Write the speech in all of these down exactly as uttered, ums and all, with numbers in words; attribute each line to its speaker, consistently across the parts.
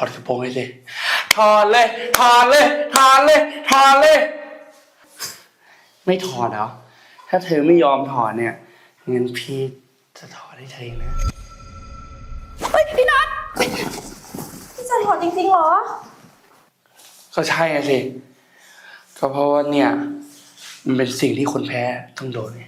Speaker 1: อดกระโปรงให้สิถอดเลยถอดเลยถอดเลยถอดเลยไม่ถอดเหรอถ้าเธอไม่ยอมถอดเนี่ยงั้นพี่จะถอดให้เธอเองนะ
Speaker 2: เฮ้ยพี่นัทพี่จะถอดจริงๆเหรอ
Speaker 1: ก็ใช่สิก็เพราะว่าเนี่ยมันเป็นสิ่งที่คนแพ้ต้องโดนไง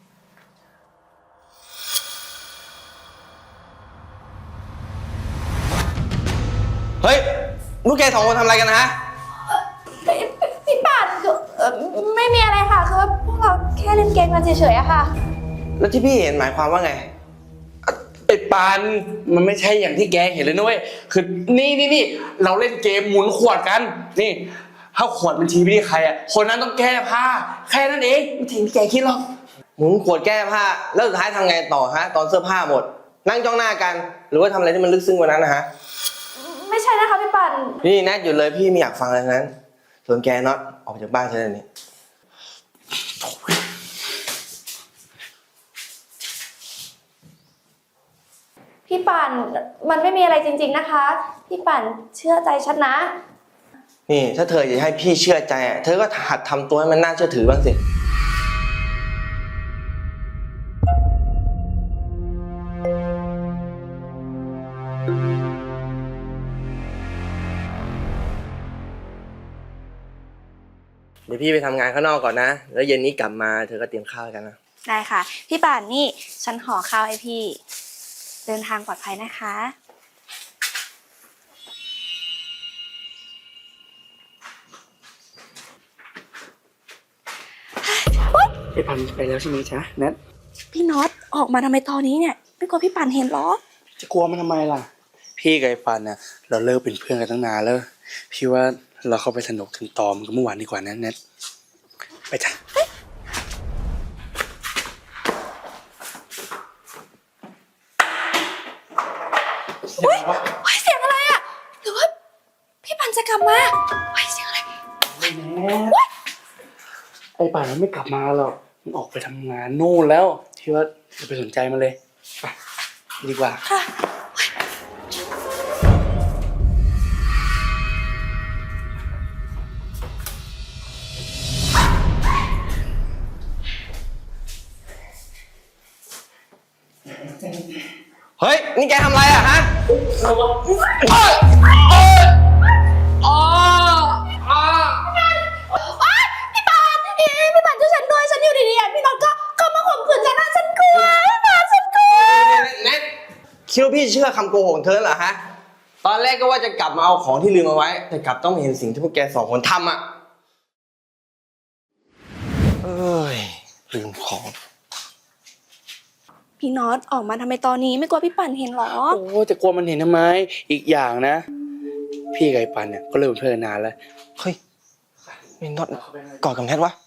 Speaker 3: เฮ้ยลูกแกสองคนทำอะไรกันนะฮะ
Speaker 2: พี่ป่านไม่มีอะไรค่ะคือว่าพวกเราแค่เล่นเกมกันเฉยๆอะค่ะ
Speaker 3: แล้วที่พี่เห็นหมายความว่าไง
Speaker 1: ไอ้ปานมันไม่ใช่อย่างที่แกเห็นเลยนุ้ยคือนี่นี่นี่เราเล่นเกมหมุนขวดกันนี่ถ้าขวดมันชี้ไปที่ใครอ่ะคนนั้นต้องแก้ผ้าแค่นั้นเองไม่ถึงที่แกคิดหรอก
Speaker 3: หมุนขวดแก้ผ้าแล้วสุดท้ายทำไงต่อฮะตอนเสื้อผ้าหมดนั่งจ้องหน้ากันหรือว่าทำอะไรที่มันลึกซึ้งกว่านั้นนะฮะ
Speaker 2: ไม่ใช่นะคะพี่ป่าน
Speaker 3: นี่แนทหยุดเลยพี่ไม่อยากฟังอะไรนั้นส่วนแกน็อตออกจากบ้านเธอเลยนี่
Speaker 2: พี่ป่านมันไม่มีอะไรจริงๆนะคะพี่ป่านเชื่อใจฉันนะ
Speaker 3: นี่ถ้าเธออยากให้พี่เชื่อใจเธอก็หัดทำตัวให้มันน่าเชื่อถือบ้างสิเดี๋ยวพี่ไปทำงานข้างนอกก่อนนะแล้วเย็นนี้กลับมาเธอก็เตรียมข้าวกันนะ
Speaker 2: ได้ค่ะพี่ป่านนี่ฉันห่อข้าวให้พี่เดินทางปลอดภัยนะคะ
Speaker 1: ไอ้ปันไปแล้วใช่ไหมจ๊ะแนท
Speaker 2: พี่น็อตออกมาทำไมตอนนี้เนี่ยไม่กลัวพี่ป่านเห็นหรอ
Speaker 1: จะกลัวมันทำไมล่ะพี่กับไอ้ปันเนี่ยเราเลิกเป็นเพื่อนกันตั้งนานแล้วพี่ว่าเราเข้าไปสนุกถึงตอมกันเมื่อวานดีกว่านะแนทไปจ้ะ
Speaker 2: เฮ้ยเสียงอะไรอ่ะหรือว่าพี่ปันจะกลับมาเฮ้ยเสียงอะไร
Speaker 1: ไอ้ป่านมันไม่กลับมาหรอกมันออกไปทำงานนู่นแล้วที่ว่าจะไปสนใจมันเลยไปดีกว่าค่ะ
Speaker 3: เฮ้ยนี่แกทำอะไรอะฮะ
Speaker 2: พี่ป่านพี่ป่านช่วยฉันด้วยฉันอยู่ดีๆพี่น็อตก็เข้ามาข่มขืนฉันนะฉันกลัวพี่ป่านฉันกลัว
Speaker 3: แนทคิดว่าพี่เชื่อคำโกหกของเธอเหรอฮะตอนแรกก็ว่าจะกลับมาเอาของที่ลืมเอาไว้แต่กลับต้องเห็นสิ่งที่พวกแกสองคนทำอะเอ้ยลืมของ
Speaker 2: พี่น็อตออกมาทำไมตอนนี้ไม่กลัวพี่ป่านเห็นหรอ
Speaker 1: โอ้จะกลัวมันเห็นทำไมอีกอย่างนะพี่กับไอ้ปันเนี่ยก็เลิกเป็นเพื่อนกันนานแล้ว
Speaker 3: เฮ้ยไม่น็อตกอดกับแนทวะ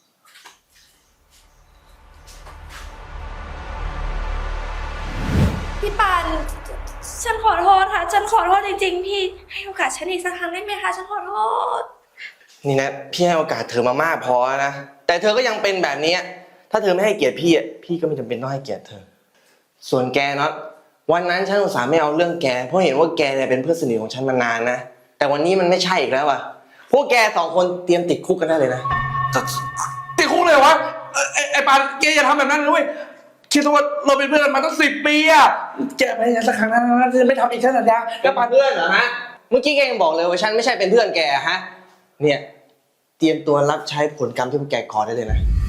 Speaker 2: พี่ป่านฉันขอโทษค่ะฉันขอโทษจริงๆพี่ให้โอกาสฉันอีกสักครั้งได้ไหมคะฉันขอโทษ
Speaker 3: นี่นะพี่ให้โอกาสเธอมามากพอนะแต่เธอก็ยังเป็นแบบนี้ถ้าเธอไม่ให้เกียรติพี่อ่ะพี่ก็ไม่จำเป็นต้องให้เกียรติเธอส่วนแกน็อตวันนั้นฉันอุตส่าห์ไม่เอาเรื่องแกเพราะเห็นว่าแกเนี่ยเป็นเพื่อนสนิทของฉันมานานนะแต่วันนี้มันไม่ใช่อีกแล้วอ่ะพวกแกสองคนเตรียมติดคุกกันได้เลยนะ
Speaker 1: ติดคุกเลยวะไอ้ไอ้ปานแกอย่าทำแบบนั้นเลยคิดว่าเราเป็นเพื่อนกันมาตั้งสิบปีอ่ะแกไปอย่างสักครั้งนั้นจะไม่ทำอีกฉันสัญญา
Speaker 3: แล้วปานเพื่อนเหรอฮะเมื่อกี้แกยังบอกเลยว่าฉันไม่ใช่เป็นเพื่อนแกฮะเนี่ยเตรียมตัวรับใช้ผลกรรมที่พวกแกก่อได้เลยนะ